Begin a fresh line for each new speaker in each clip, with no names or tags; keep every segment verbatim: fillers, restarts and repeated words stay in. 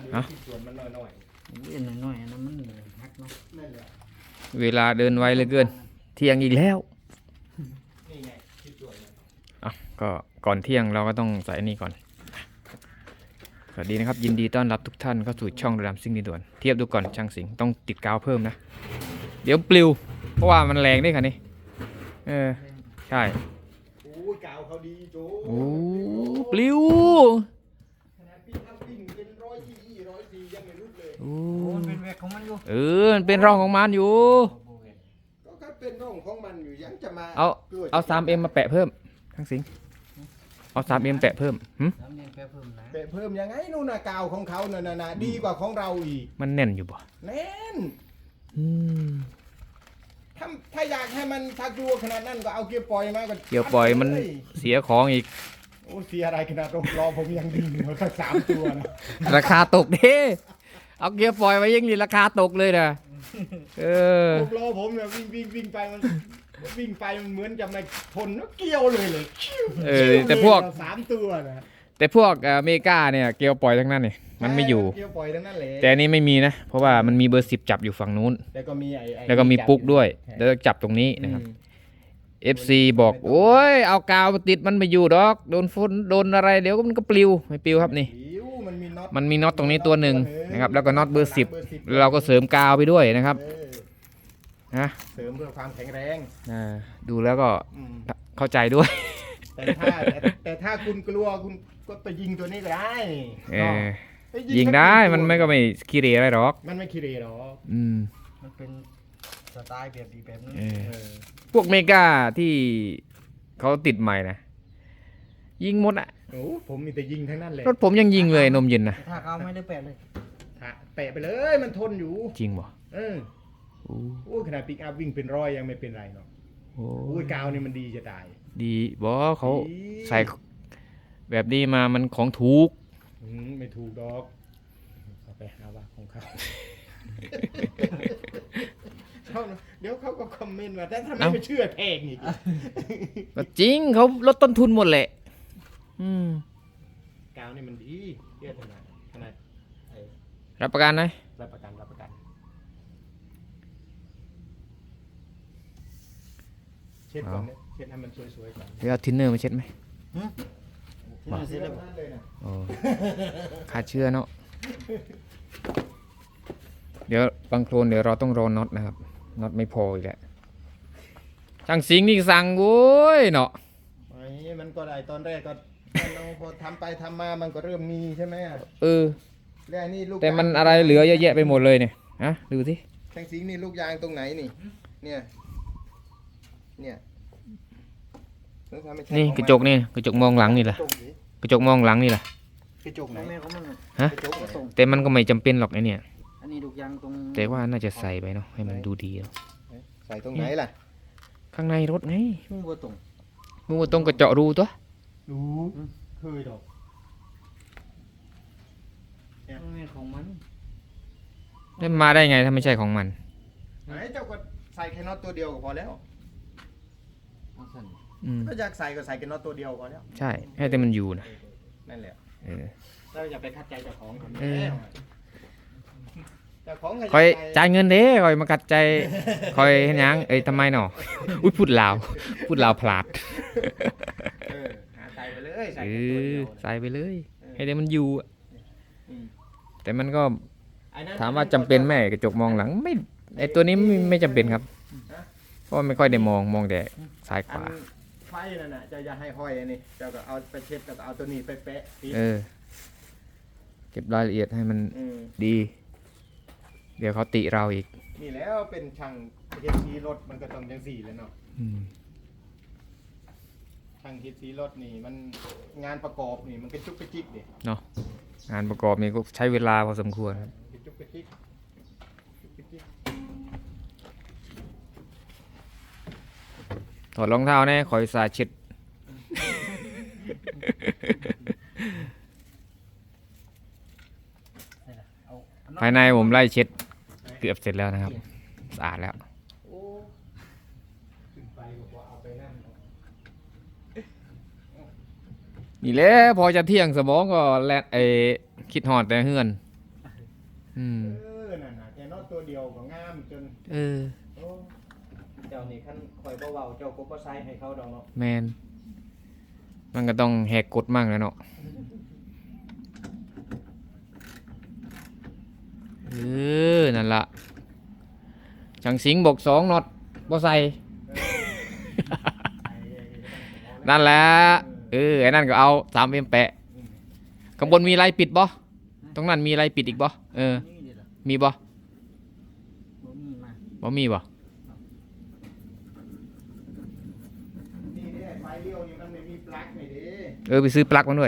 เนาะส่วนมันน้อย
ๆเล่นน้อยๆอันนั้นมันฮักเนาะนั่นแหละ
เว
ลาเดินไวเหลือเกินเที่ยงอีกแล้ว
นี่ไงคิดส่วน
อ่ะก็ก่อนเที่ยงเราก็ต้องใส่นี่ก่อนสวัสดีนะครับยินดีต้อนรับทุกท่านเข้าสู่ช่องระดับซิ่งดีด่วนเทียบดูก่อนช่างสิงต้องติดกาวเพิ่มนะเดี๋ยวปลิวเพราะว่ามันแรงด้วยค่ะนี่เออใช่
โอ้ยกาวเขาดีโจ้
โอ้ปลิว
ขนาดปิ้งอัพปิ้งเป็นร้อยยี่ร้อยสี่ยังไม่รุดเลย
โอ้
มันเป็นแวกของมันอยู่
เออมันเป็นร่องของมันอยู่
ก็ก็เป็นร่องของมันอยู่ยังจะมา
เอาเอาสามเอ็มมาแปะเพิ่มช่างสิงเอาสามเอ็มแปะเพิ่มหึ
แปะเพิ่มนะ
แปะเพิ่มยังไงนู่นน่ะกาวของเขาน่ะน่ะดีกว่าของเราอีก
มันแน่นอยู่บ่
แน่น
อืม
ถ้าถ้าอยากให้มันถ้ากลัวขนาดนั้นก็เอาเกียร์ปล่อยมาก็
เกียร์ปล่อยมันเสียของอีก
โอ้เสียอะไรขนาดรถรอผมยังดีอยู่สักสามตัวนะ
ราคาตกเด้เอาเกียร์ปล่อยไว้ยังนี่ราคาตกเลยนะเออ
รอผมเนี่ยวิ่งวิ่งวิ่งไปมันวิ่งไปมันเหมือนจะไม่ทนแล้วเกี่ยวเลยเลย
เออแต่พวก
สามตัวนะ
แต่พวกอเมริกาเนี่ยเกียร์ปล่อยทั้งนั้นนี่มันไม่อยู่
เกียร์ปล่อยทั้งนั้นเลย
แต่อันนี้ไม่มีนะเพราะว่ามันมีเบอร์สิบจับอยู่ฝั่งนู้น
แล้วก็มีไอ้
แล้วก็มีปุ๊กด้วยแล้วจับตรงนี้นะครับ เอฟ ซี บอกโอ้ยเอากาวติดมันไม่อยู่ดอกโดนฝนโดนอะไรเดี๋ยวมันก็ปลิวไม่ปลิวครับนี่มันมีน็อตตรงนี้ตัวหนึ่งนะครับแล้วก็น็อตเบอร์สิบเราก็เสริมกาวไปด้วยนะครับนะ
เสริมเพื่อความแข็งแรง
ดูแล้วก็เข้าใจด้วย
แต่ถ้าแต่ถ้าคุณกลัวคุณก็ไปยิงตัวนี้ก็ได้
ยิงได้มันไม่ก็ไม่ขี้เรอะไรหรอก
มันไม่ขี้เรหรอก
อืม
มันเป็นสไตล์แบบดีแบบนั้น
พวกเมกาที่เขาติดใหม่นะยิงหมดอ่ะ
โอ้ผมมีแต่ยิงทั้งนั้นเลย
รถผมยังยิงเลยนมเย็นนะ
ถ้าเขาไม่ได้แปะเลย
แปะไปเลยมันทนอยู่
จริงบ่
เออโอ้ขนาดปิกอัพวิ่งเป็นร้อยยังไม่เป็นไรเนาะโอ้ยกาวนี่มันดีจะตาย
ดีบอเขาใส่แบบนี้มามันของถูก
ไม่ถูกดอกเอาไปหาว่าของเขาเดี๋ยวเขาก็คอมเมนต์ว่าแต่ทำไมไม่เชื่อแพงอีก
ก็จริงเขาลดต้นทุนหมดแหละอืม
กาวนี่มันดีเยอะขนาดขนาด
รับประกันไหม
รับประกันรับประกันเช็ดก่อนเนี่ยเช็ดให้มันสวยๆก่อน
เดี๋ยวเอาทินเนอร์มาเช็ดไหม
มาเช็ดแล้วเลยนะ
โอ้ขาดเชื้อเนาะเดี๋ยวบางโคลนเดี๋ยวเราต้องรอน็อตนะครับน็อตไม่พออีกแล้วช่างสิงนี่สั่งโว้ยเนาะ
ไอ้มันก็ได้ตอนแรกก็เราพอทำไปทำมามันก็เริ่มมีใช่ไหม
เออ
แล้วนี่ลูก
แต่มันอะไรเหลือเยอะแยะไปหมดเลยเนี่ยฮะดูสิ
ช่างสิงนี่ลูกยางตรงไหนนี่เนี่ยเนี่ย
นี่กระจกนี่กระจกมองหลังนี่แหละกระจกมองหลังนี่แหละ
กระจกไหน
ฮะแต่มันก็ไม่จำเป็นหรอกไอเนี่ย
อันนี้ลูกยางตรง
แต่ว่าน่าจะใส่ไปเนาะให้มันดูดี
ใส่ตรงไหนล่ะ
ข้างในรถไง
มือวัวตรง
มือวัวตรงกระเจาะรูตัว
รูเคยดอก
นี่ของมัน
ได้มาได้ไงถ้าไม่ใช่ของมัน
ไหนเจ้าก็ใส่แค่น็อตตัวเดียวก็พอแล้วก็อยากใส่ก็ใส่แค่น็อตตัวเดียวพอแล้ว
ใช่ให้แต่มันอยู่นะ
นั่นแหละ
เออ
เราอย่าไปคัดใจเจ้าของคน
นี้
เจ้าของ
คอยจ่ายเงินเด้คอยมาคัดใจคอยเห็นยังเอ้ยทำไมหนออุ้ยพูดลาวพูดลาวพลาด
ใส่ไปเลยใส่
ใส่ไปเลยให้แต่มันอยู่แต่มันก็ถามว่าจำเป็นไหมกระจกมองหลังไม่ไอตัวนี้ไม่ไม่จำเป็นครับเพราะไม่ค่อยได้มองมองแต่ซ้ายขวา
ไฟนั่นน่ะจะอย่าให้ห้อยอันนี้จะก็เอาไปเช็ดกับเอาตัวนี้ไปแปะ
เออเก็บรายละเอียดให้มันดีเดี๋ยวเขาติเราอีก
นี่แล้วเป็นช่างเฮดซีรถมันก็ต้องจังสี่แล้วเนาะช่างเฮดซีรถนี่มันงานประกอบนี่มันก็จุกกระจิกดิ
เนาะงานประกอบนี่ก็ใช้เวลาพอสมควรครับ
จุกกระจิก
ถอดรองเท้าแน่คอยสาเช็ดภายในผมไล่เช็ดเกือบเสร็จแล้วนะครับสะอาดแล้วนี่แหละพอจะเที่ยงสมองก็แลไอคิดหอดแต่เฮือนอืม
เออนั่นน่ะแกน็อตตัวเดียวก็งามจน
เออ
โอ้เจ้านี่คันคอยเบาๆเจ้าก็บ่ใส่ให้เขาดอกเนาะ
แมนมันก็ต้องแหกกฎมั่งแล้วเนาะเออนั่นละช่างสิงห์บอกสองน็อตบ่ใส่ นั่นแหละเออไอ้นั่นก็เอาสามเอ็มแปะข้างบนมีอะไรปิดบ่ตรงนั้นมีอะไรปิดอีกบ่เออ
นี่เดี๋ยวเหรอ
มีบ่
บ่มีมา
บ่มีบ่
นี่เนี่ยไฟเลี้ยวนี่มันไม่มีปลั๊กนี่เด้
เออไปซื้อปลั๊กมาด้วย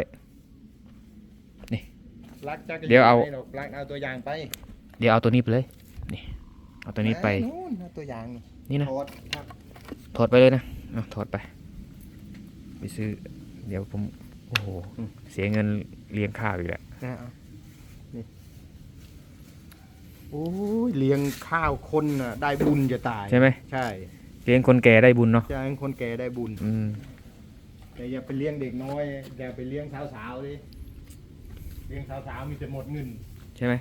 ปลั๊กจักร
เดี๋ยวเอา
ไม่หรกปลั๊กเอาตัวอย่างไป
เดี๋ยวเอาตัวนี้ไปเลยนี่เอาตัวนี้ไป
นู่นเอาตัวอย่างนี่
นี่นะ
โทษครับ
ถอดไปเลยนะเอาถอดไป ไปซื้อ เดี๋ยวผม โอ้โห เสียเงินเลี้ยงข้าวอีกแล้ว
นะเอานี่โอ้ยเลี้ยงข้าวคนน่ะได้บุญจะตาย
ใช่ไหม
ใช่
เลี้ยงคนแก่ได้บุญเนาะ
จะให้คนแก่ได้บุญ
อืม
แต่อย่าไปเลี้ยงเด็กน้อยอย่าไปเลี้ยงสาวๆดิเลี้ยงสาวๆมีแต่หมดเงิน
ใช่ไหม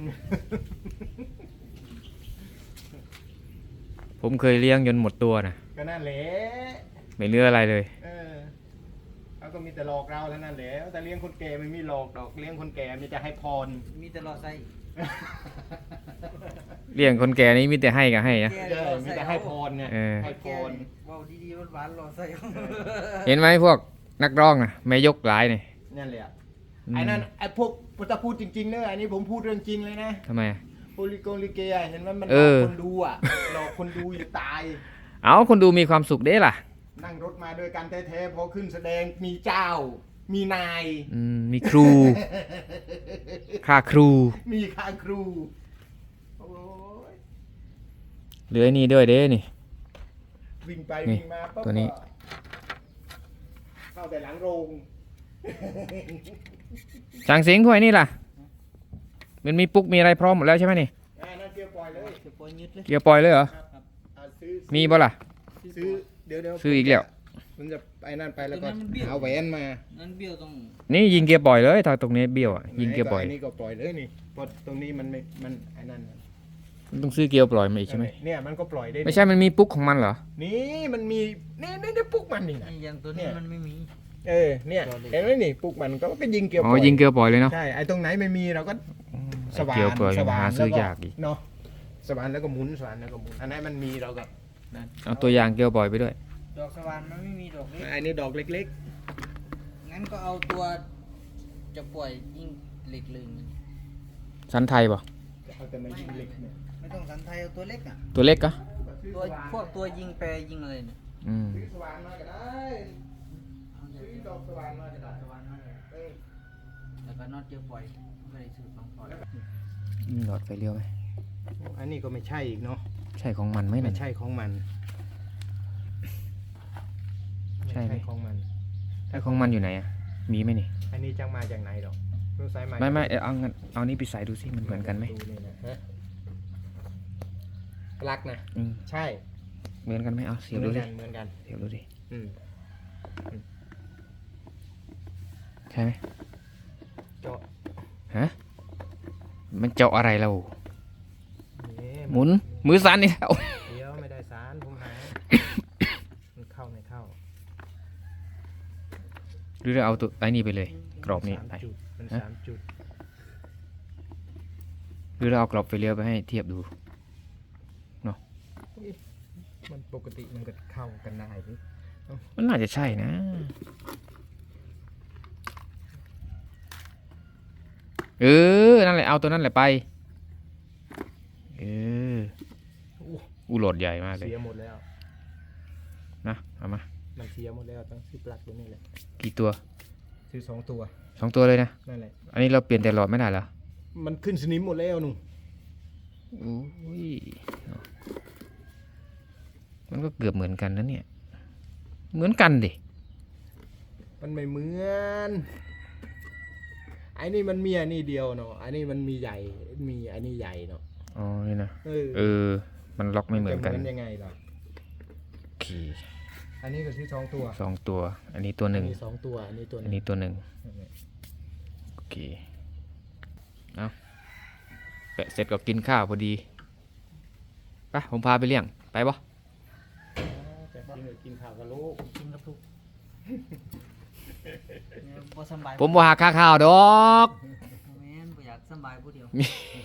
ผมเคยเลี้ยงจนหมดตัวนะ
ก็นั่นแหละ
ไม่เหลืออะไรเลย
เออเขาก็มีแต่หลอกเราเท่านั้นแหละแต่เลี้ยงคนแก่ไม่มีหลอกดอกเลี้ยงคนแก่มีแต่ให้พร
มีแต่รอใส่
เลี้ยงคนแก่นี่มีแต่ให้กับให้นะ
ใช่มีแต่ให้พรไง
เออ
ให้พ
แก
ร
เว้าดีๆหวานๆรอใส่
เห็นไหมพวกนักร้องนะไม่ยกหลายนี่
นั่นแหละ
อืม
ไอ้นั่นไอ้พวกพุทธพูดจริงๆเนอะอันนี้ผมพูดเรื่องจริงเลยนะ
ทำไมอะ
โปลิโกลิเกอะเห็นไหมมันห
เอ
ลอก
อ
คนดูอ่ะหลอกคนดูอยู่ตาย
เอาคนดูมีความสุขเด้ล่ะ
นั่งรถมาด้วยกันแท้ๆพอขึ้นแสดงมีเจ้า มีนาย
อืมมีครู ค่าครู
มีค่าครูโอ้ย
เหลือไอ้นี่ด้วยเด้นี่
วิ่งไป
นี่
วิ่งมาปั๊บ
ตัวนี้
ก็เข้าแต่หลังโรง
ช่างสิงห์ถ้วยนี่ล่ะ มันมีปุ๊กมีอะไรพร้อมหมดแล้วใช่ไหมนี่
อ่านั่นเกียวปล่อยเลย
จะปล่อยยึดเลย
เกียร์ปล่อยเลยเหรอ
อ่าซื้อ
มีบ่ล่ะ
ซื้อเดี๋ยวเดี๋ยว
ซื้ออีกแล้ว
มันจะไปนั่นไปแล้วก็
ตัวนั้นมันเบี้ยว
เอาแหวนมา
นั่นเบี้ยวต้อง
นี่ยิงเกียร์ปล่อยเลยถ้าตรงนี้เบี้ยวอ่ะยิงเกียร์ปล่อย
ไนี่ก็ปล่อยเลยนี่เพราะตรงนี้มันไม่มันไอ้นั่น
มันต้องซื้อเกียร์ปล่อยมาอีกใช่ไหม
เนี่ยมันก็ปล่อยได้
ไม่ใช่มันมีปุ๊กของมันเหรอ
นี่มันมีนี่นี่นี่ปุ๊กมันนี่นะ
ไอ้อย่างตัวนี้มันไม่มี
เออเนี่ยเห็นไหมนี่ปุ๊กมันก็ก็ยิงเกียวป
อ๋
ล่
อ
อย
ยิงเกียร์ปล่อยเลยเนาะ
ใช่ไอ้ตรงไหนไม่มีเราก็สว่าน
เกียร์ปล่อย
สว่าน
หาซื้อยากอีก
เนาะสว่านแล้วก็หมุนสว่านแล้วก็หมุนอันไหนมันมีเราก็นั่น
เอาตัวอย่างเกียร์ปล่อยไปด้วย
ดอกสว่านมันไม่มีดอกเล็ก
อันนี้ดอกเล็ก
งั้นก็เอาตัวจะปล่อยยิงเหล็กเลย
สันไทยป่ะ
ๆเอาแต่มายิงเล็กเนี่ย
ไม่ต้องสันไทยเอาตัวเล็กอ่ะ
ตัวเล็กกะ
ตัวพวกตัวยิงแปรยิงอะไรเนี่ย
อืม
ซื้อสว่านมาก็ได้ซื้อดอกสว่านมาก็ได้
สว่านนั่นแหละ
เออ
แล้วก็น็อตเจอปล่อยไม่ได้ซื้อของปล่อย
มีหลอดไฟเลี้ยวไหม
อันนี้ก็ไม่ใช่อีกเนาะ
ใช่ของมันไหม
ไม่
นั่น
ใช่ของมัน
ใช่ไหม
ของมัน
ไอ้ของมันอยู่ไหนอ่ะมีไหมนี่
อันนี้จังมาจากไหนดอกรู้สายมา
ไม่ไม่เอางั้นเอานี้ไปใส่ดูสิมันเหมือนกันไหม
ดูนี่นะฮะปลั๊กนะ
อืม
ใช่
เหมือนกันไหมเอาเสียบดู
เหมื
ดิ
อนกันเหมือนกัน
เสียบดูดิ
อืม
ใช่ไหม
เจาะ
ฮะมันเจาะอะไรเรา
นี่
หมุนมือสั่นนี่แล้ว
เดี๋ยวไม่ได้สารผมหา มันเข้าไม่เข้า
หรือเราเอาตัวไอ้นี่ไปเลย กรอบนี้
สาม
ไป
จุดมัน
ฮะ
สามจุด
หรือเราเอากรอบไฟเลี้ยวไปให้เทียบดู
มันปกติมันก็เข้ากันได้ดิ
มันน่าจะใช่นะ เออ นั่นแหละ เอาตัวนั่นแหละไป เอออูโหลดใหญ่มากเลย
เสียหมดแล้ว
นะ เอามา
มันเสียหมดแล้วต้องซื้อปลั๊กตัวนี้แหละ
กี่ตัว
ซื้อสองตัว
สองตัวเลยนะ
นั่นแหละ
อันนี้เราเปลี่ยนแต่หลอดไม่ได้เหรอ
มันขึ้นสนิมหมดแล้วหนุ่ม
อุ้ย มันก็เกือบเหมือนกันนะเนี่ย เหมือนกันดิ
มันไม่เหมือนไอ้นี่มันมีอันนี้เดียวเนาะอันนี้มันมีใหญ่มีอันนี้ใหญ่เนาะ
อ๋อ นี่นะ
เออ
เออ มันล็อกไม่เหมือนกัน
จะเหมือนยังไงล่ะ
โอเค
อันนี้ก็ซื้อสองตัว
สองตัว อันนี้ตัวหนึ่ง
อันนี้สองตัวอันนี้ตัวห
อัน
นึง
นี้ตัวหนึ่ง
นั่นแหละ
โอเค เอาแปะเสร็จก็กินข้าวพอดีไปผมพาไปเลี้ยงไปบ่
แต่กินเลยกินข้าวกับลูก
กินกับทุกเนี่ยบ่สำบาย
ผมบ่หาค่าข้าวดอก
แม่นบ่อยากสำบายผู้เดียว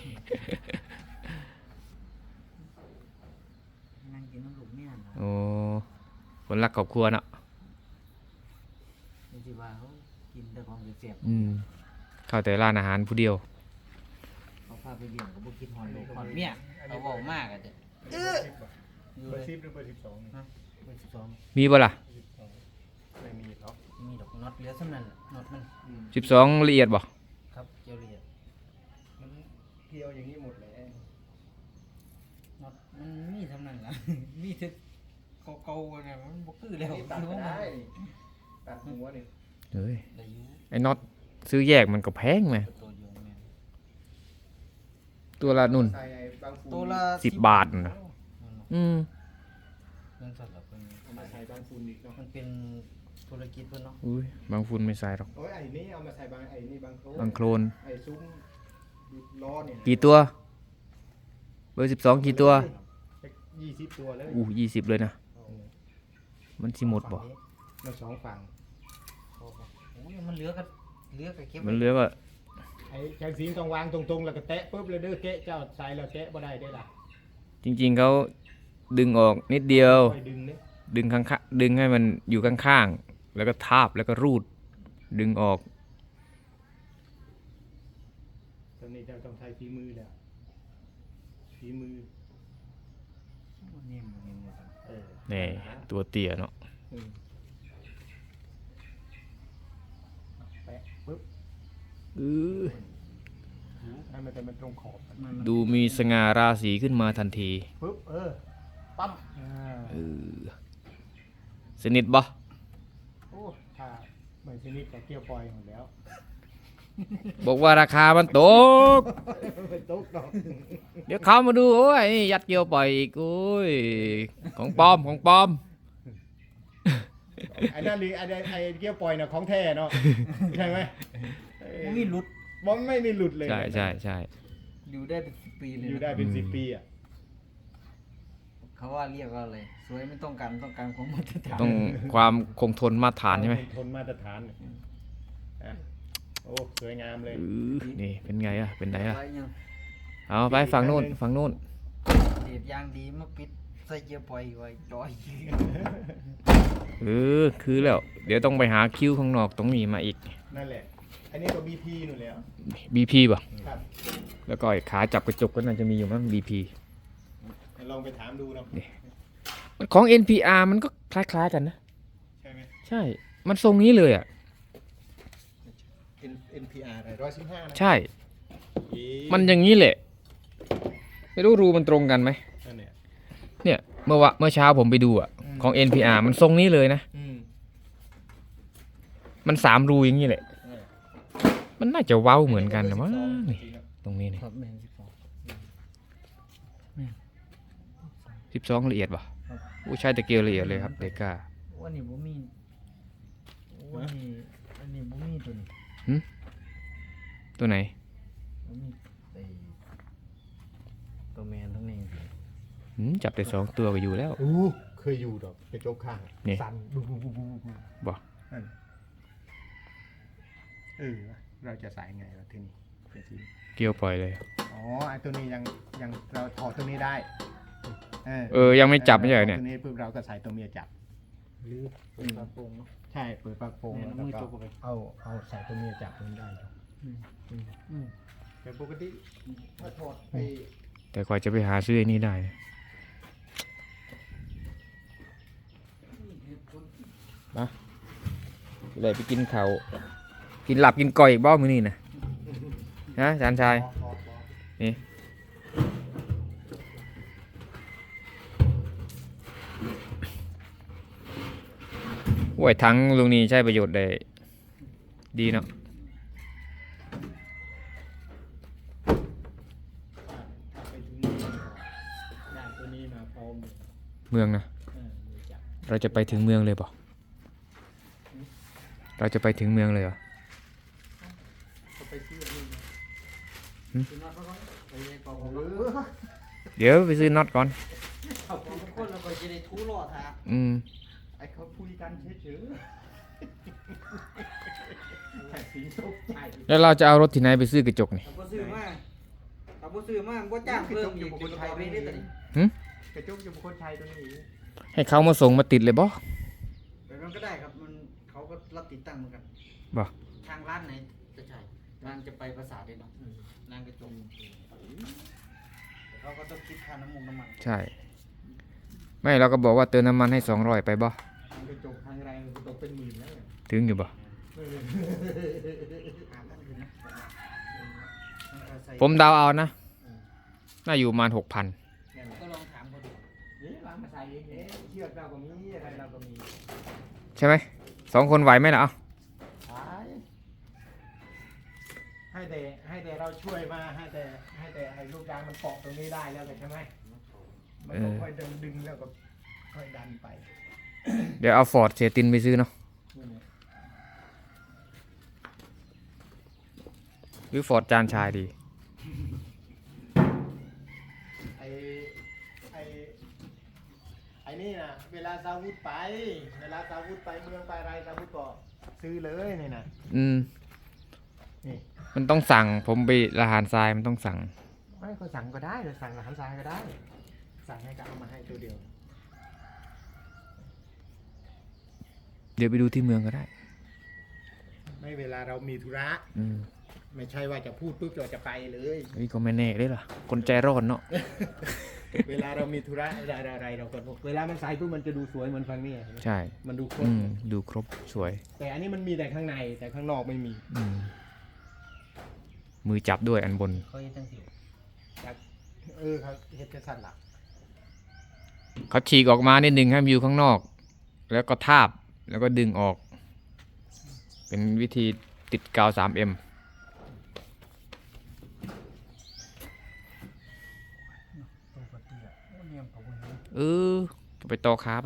นั่งกินน้ำลูกเมียนะ
โอ้คนรักครอบครัวเนาะ
จริงๆว่าเขากินแต่ของเสียบ
อืมเข้าแต่ร้านอาหารผู้เดียว
ๆเขาพาไปเลี้ยงก็บ่คิดฮอดลูกฮอดเมียเขาเว้ามากอ่ะจ้ะอยู่
เบอ
เลย
ร์สิบหรือเบอร์สิบสอง
ฮะเบอร์สิบสอง
มีบ่ล่ะ
ไม่มีหรอก
มีดอกน็อตเหลือส่ำนั้นน่ะน็อตมัน
สิบสองละเอียดบ่
ครับเจียวละเอียด
มันเกลียวอย่างนี้หมดเลย
น็อตมันมีส่ำนั้นล่ะ มีแต่เก่าๆน่ะมันบ่คือแล้ว
นี่ตัดก็ได้ตัดหัวนี่
เฮ้ย
ได้อยู่
ไอ้น็อตซื้อแยกมันก็แพงไหม
ตัวเดียวแม่น
ตัวละนุ่น
ใส่ไอ้บางฟู
ตัวละ
สิบบาทน่ะ อืม
เงินสดเหรอเพิ่น
เอามาใส่บางฟูนอีกเนาะ
มันเป็นธุรกิจเพิ่นเนาะ
อุ้ยบางฝุ่นไม่ใส่หรอก
โอ้ยไอ้นี่เอามาใส่บางไอ้นี่บางโคลน
บางโคลน
ไอ้ซุ้มล้อเนี่ย
กี่ตัว เบอร์สิบสองกี่ตัว
ยี่สิบตัวเลย
อู้ยี่สิบเลยนะ มันสิหมดบ่
มันสองฝั่ง
โอ้ยมันเหลือก็เหลือก็เก็บ
มันเหลือก็
ไอ้แกงสีต้องวางตรงๆแล้วก็แตะปุ๊บเลยเด้อแกะเจ้าใส่แล้วแกะบ่ได้ได้ล่ะ
จริงๆเขาดึงออกนิดเดียว
ค่อยดึงเนี่ย
ดึงข้างๆดึงให้มันอยู่ข้างๆ แล้วก็ทาบแล้วก็รูด ดึงออก
ตอนนี้เจ้าต้องใช้ฝีมือแล้วฝีมือ
นิ่มๆนิ่มๆครับ
เออ
นี่ตัวเตี้ยเนาะ
อืมแปะปุ๊บ
อื้อ
ให้มันเป็นมันตรงขอบ
มันมัน
ดูมีสง่าราศีขึ้นมาทันที
ปุ๊บเออปั๊บอ่า
เออสนิทบ่
โอ้ถ้าไม่ชนิดแต่เกี่ยวปล่อยหมดแล้ว
บอกว่าราคามันตก
ไม่ตกดอก
เดี๋ยวเขามาดูโอ้ยนี่ยัดเกียวปล่อยอีกโอ้ยของปลอมของปลอม
ไอ้นั่นลีไอ้ไอ้เกี่ยวปล่อยน่ะของแท้เนาะใช่ไหมเออ
มันมีหลุด
บอลไม่มีหลุดเลย
ใช่ใช่ใช่
อยู่ได้เป็นสิบปีเลย
อยู่
นะ
ได้เป็นสิบปีอ่ะ
เขาว่าเรียกว่าอะไรสวยไม่ต้องการต้องการความมาตรฐาน
ต้องความคงทนมาตรฐานใช่ไหม
ทนมาตรฐานอ่ะโอ้สวยงามเลย
อือนี่เป็นไงอะเป็นไงอะ
ไว้ยัง
เอาไปฝั่งนู้นฝั่งนู้น
เดียดยางดีมาปิดใส่เกียร์ปล่อยไว้จอย
เออคือแล้ว เดี๋ยวต้องไปหาคิวข้างนอกตรงนี้มาอีก
นั่นแหละ อันนี้ก็ บี พี นู่นแล้ว
บี พี ป่ะ
ครับ
แล้วก็ไอ้ขาจับกระจกก็น่าจะมีอยู่มั้ง บี พี
ลองไปถามดูเนาะ
มันของ เอ็น พี อาร์ มันก็คล้ายๆกันนะ
ใช่ไหม
ใช่ มันทรงนี้เลยอ่ะ
N เอ็น พี อาร์ อะไรร้อยสิบห้านะ
ใช่
อี
มันอย่างนี้แหละ ไม่รู้รูมันตรงกันไหม
นั่นเนี่ย
เนี่ย เมื่อวะเมื่อเช้าผมไปดูอ่ะ ของ เอ็น พี อาร์ มันทรงนี้เลยนะ
อืม
มันสามรูอย่างนี้แหละ
เออ
มันน่าจะเว้าเหมือนกันนะมั้ง
จ
นี่
ริงๆอะ
ตรงนี้นี่
ครับแมนสิบสอง
สิบสองละเอียดป่ะอู้ใช่ตะเกียบละเอียดเลยครับเดก้า
วันนี้บ่มีวันนี้วันนี้บ่มีตัวนี้
ตัวไหน
บ่มีไอ้ตัวแมนทั้งนี้
หืมจับแต่สองตัวก็อยู่แล้ว
อู้เคยอยู่ดอกกระจกข้าง
นี่
สั่นบูบูบูบูบู
บ่
นั่นเออเราจะใส่ไงวะทีนี้เป็นที
เกี่ยวปล่อยเลย
อ๋อไอ้ตัวนี้ยังยังเราถอดตัวนี้ได้เออ
เออยังไม่จับไม่ใช่เหรอเนี่ย
ตัวนี้ปุ๊บเราก็ใส่ตัวเมียจับ
หรือเป็นปลาโป่งเนาะ
ใช่เปิดปากโป่ง
เนี่ย
แล้ว
มือ
ก็
จกเข้าไป
เอาเอาใส่ตัวเมียจับมันได้อยู่
อืม
แต่ปกติถ้าถอดไป
แต่กว่าจะไปหาซื้อไอ้นี่ได้นะมาเลยไปกินเขาวกินหลับกินก่อยอีกบ้ามือนี่นะฮะจานชาย
พอพอพอ
นี่โอ้ยทั้งลุงนี้ใช้ประโยชน์ได้ดีเนาะ
ถ้าไปถึงนี่ก็ได้ตัวนี้มาพร้อมเลย
เมืองนะ
เออมือจับ
เราจะไปถึงเมืองเลยเปล่าเราจะไปถึงเมืองเลยเหรอ
ก็ไปซื้ออันนี้มา
ซื้อน็อตมาก่อนไปเป่าของ
เอ
เรา
อ
เดี๋ยวไปซื้อน็อตก่อน
เอาของทุกคนเราก็จะได้ทู่รอดฮะ
อืม
ไอ้เขาคุยกันเฉยๆแต่สีตกใจ
แล้วเราจะเอารถที่ไหนไปซื้อกระจกนี่
ถ้าบ่ซื้อมาถ้าบ่ซื้อมาบ่จ้างเพิ่มอีกเป็นกระเป๋าเองได้ตัวนี้
กระจุกอยู่คนไทยตัวนี้
ให้เขามาส่งมาติดเลยบ่
แบบนั้นก็ได้ครับมันเขาก็รับติดตั้งเหมือนกัน
บ่
ทางร้านไหนจะใช่นางจะไปภาษาเด็ดเนาะนางกระจงเขาก็ต้องคิดค่าน้ำมันน้ำมัน
ใช่ ไม่เราก็บอกว่าเติมน้ำมันให้สองร้อยไปบ่
ทางกระจกทางแรงกระจกเป็นหมื่นแล้วเนี่ย
ถึงอยู่บ่
หาบ้านคืนนะ
ผมเดาเอานะ น่าอยู่ประมาณหกพัน
เนี่ย
ก็ลองถามเขาดู
นี่วางมาใส่เองเอ๊ะเชือกเราก็มีอะไรเราก็มี
ใช่ไหม สองคนไหวไหมล่ะเอา
ใช่ให้แต่ให้แต่เราช่วยมาให้แต่ให้แต่ไอ้ลูกยางมันเกาะตรงนี้ได้แล้วแต่ใช่ไหมมันก็ค่อยดึงดึงแล้วก็ค่อยดันไป
เดี๋ยวเอาฟอร์ดเสียตินไปซื้อเนาะ
นี่เนี่ย
หรือฟอร์ดจานชายดี
ไอ้ไอ้ไอ้นี่นะเวลาซาวุธไป เวลาซาวุธไปเมืองไปอะไรซาวุธก็ซื้อเลยนี่นะ
อืม
นี่
มันต้องสั่ง ผมไปละหารทรายมันต้องสั่ง
ไม่ก็สั่งก็ได้หรือสั่งกับหันซ้ายก็ได้ สั่งให้ก็เอามาให้ตัวเดียว
เดี๋ยวไปดูที่เมืองก็ได้
ไม่เวลาเรามีธุระ
อืม
ไม่ใช่ว่าจะพูดปุ๊บเราจะไปเลย
นี่ก็ไม่แน่เลยล่ะ คนใจร้อนเนาะ
เวลาเรามีธุระอะไรอะไรเราก็เวลามันใส่ปุ๊บมันจะดูสวยเหมือนฟังนี่
ใช่
มันดูครบ
อืม ดูครบสวย
แต่อันนี้มันมีแต่ข้างในแต่ข้างนอกไม่มี
อืม มือจับด้วยอันบน
เขาจะตั้งสิว
เออครับเฮ็ดจะสั่นหลัก
เขาฉีกออกมานิดนึงให้มันอยู่ข้างนอก แล้วก็ทาบ แล้วก็ดึงออก เป็นวิธีติดกาว ทรี เอ็ม
ตัวปกติอ่ะโอ้เนียมเขาบ่เห็น
เออก็ไปต่อขาไป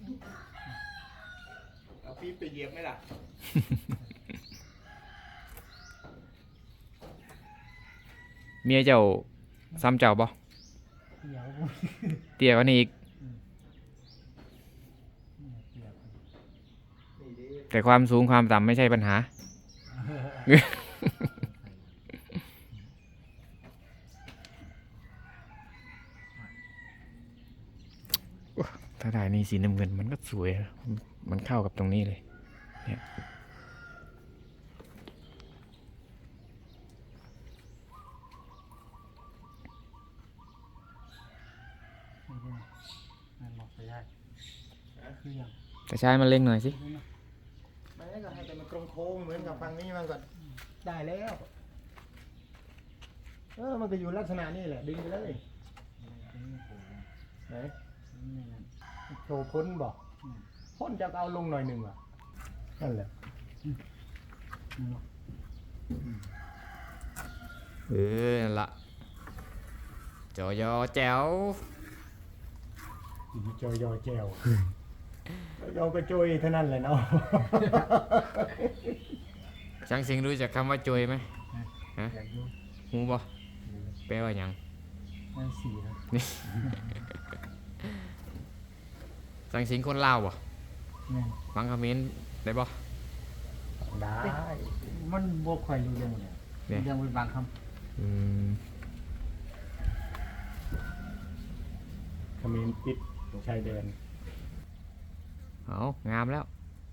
เอาปี๊บไปเหยียบไหมล่ะ
เมียเจ้าซ้ำเจ้าบ่
เดี๋ยว
เตี้ยกว่านี้อีก
เดี๋ยว
นี่ดิ
แต่ความสูงความต่ำไม่ใช่ปัญหา ถ้าได้นี่สีน้ำเงินมันก็สวยนะมันเข้ากับตรงนี้เลย เนี่ย
มันบอกไปได้คืออย่าง
แต่ใช้มันเล็งหน่อยสิ
ไม่ก็ให้แต่มันโค้งๆเหมือนกับฟังนี้มันก็ได้แล้ว เออมันก็อยู่ลักษณะนี้แหละดึงไปเลยไหนโชว์พ้นบอกพ้นจะเอาลงหน่อยหนึ่งอ่ะนั่นแหละ
เออนั่นละจอยอแจ๋ว
จอยอแจวเราก็โจยเท่านั้นแหละเนาะ
ช่างสิงรู้จักคำว่าจอยไหมฮะ
อยากดู
หูบ่แปลว่าหยัง
มันสีครับ
นี่ ช่างสิงคนลาวบ่
แม่น
ฟังคอมเมนต์ได้บ่
ได้
มันบ่ค่อยรู้เรื่องเลย
เนี่ย
เรื่องเป็นบางค
อืม
ขมิ้นปิดชายแดน
เอางามแล้ว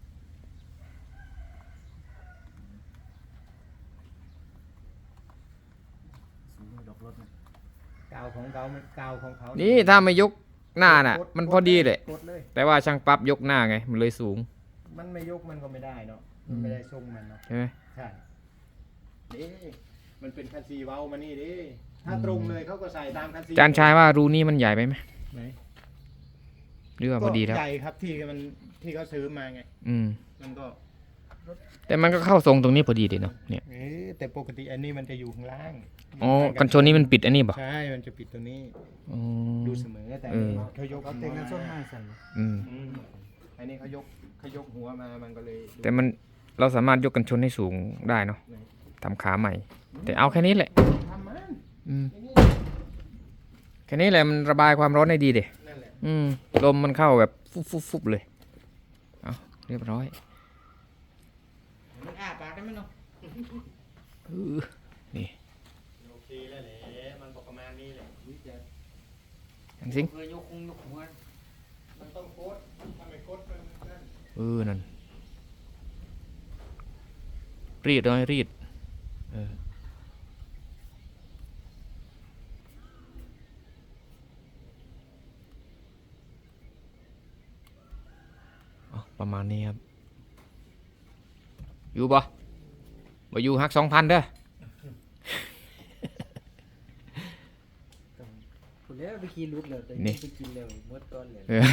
ำสูงดอกรถนะ
กาวของเขามันกาวของเขา
นี่ถ้าไม่ยกหน้าน่ะ มันพอดีเลย
กดเลย
แต่ว่าช่างปรับยกหน้าไง มันเลยสูง
มันไม่ยกมันก็ไม่ได้เนาะมันไม่ได้ทรงมันเนาะ
ใช่ไหม
ใช่ดิมันเป็นคันซีเว้ามานี่ดิถ้าตรงเลยเขาก็ใส่ตามคันซี
จานชายว่ารูนี้มันใหญ่ไปไหม
ไหน
หรือว่าพอดีแล้ว
ก็ใหญ่ครับที่มันที่เขาซื้อมาไง
อืม
มันก็
แต่มันก็เข้าทรงตรงนี้พอดีเลยเนาะ เนี่ย
เอ๊ะแต่ปกติอันนี้มันจะอยู่ข้างล่าง
อ๋อ กันชนนี้มันปิดอันนี้บ่
ใช่ มันจะปิดตัวนี้
อ๋อ
ดูเสมอแต่
เออ
เขายก
เขา
หัว
เต็งกันส้น
มา
ไม้สั่น
อืม
อืมอันนี้เขายกเขายกหัวมามันก็เลยดู
แต่มันเราสามารถยกกันชนให้สูงได้เนาะ
ไหน
ทำขาใหม่ แต่เอาแค่นี้แหละ
ทำมัน
อืม
ไอ้นี่
แค่นี้แหละมันระบายความร้อนได้ดีเด็
นั่นแหละ
อืมลมมันเข้าแบบฟุบฟุบฟุบเลยเอาเรียบร้อย
มันอ้าปากได้ไหมเนาะ
เออนี่
โอเคแล้วแหละมันบอกประมาณนี้แหละ
อันสิง
เคยยกคงยกหัว
มันต้องโคตรทำไมโคตรมันนั่น
เออนั่นรีดน้อยรีดเออเอาประมาณนี้ครับอยู่บ่บ่อยู่หักสองพันเด้อ
พูดแล้วไปขี่รุดเลยแต่
นี่
ไปกินแล้วหมดก้อนเลย
เออ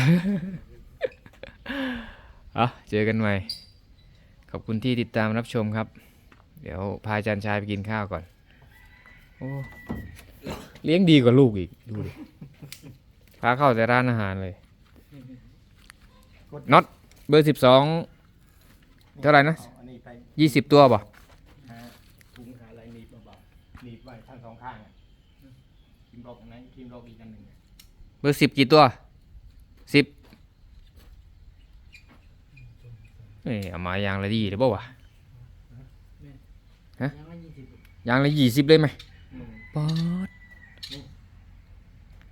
เอาเจอกันใหม่ ขอบคุณที่ติดตามรับชมครับ เดี๋ยวพาอาจารย์ชายไปกินข้าวก่อน โอ้เลี้ยงดีกว่าลูกอีก ดูดิ พาเข้าแต่ร้านอาหารเลยน็อตเบอร์สิบสอง เท่าไหร่นะ
อาอันนี้ไป
ยี่สิบตัวป่ะ
หาถุงหาอะไรหนีบเบาๆหนีบไว้ทั้งสองข้างอ่ะทีมรอกอันนั้นทีมรอกอีกอันหนึ่งอะ
เบอร์สิบกี่ตัวสิบเอ้ยเอามายางละดีหรือเปล่าวะ
ยังไม่ยี่สิบ
ยางละยี่สิบเลยไหม
อืม
ป๊อด
นี่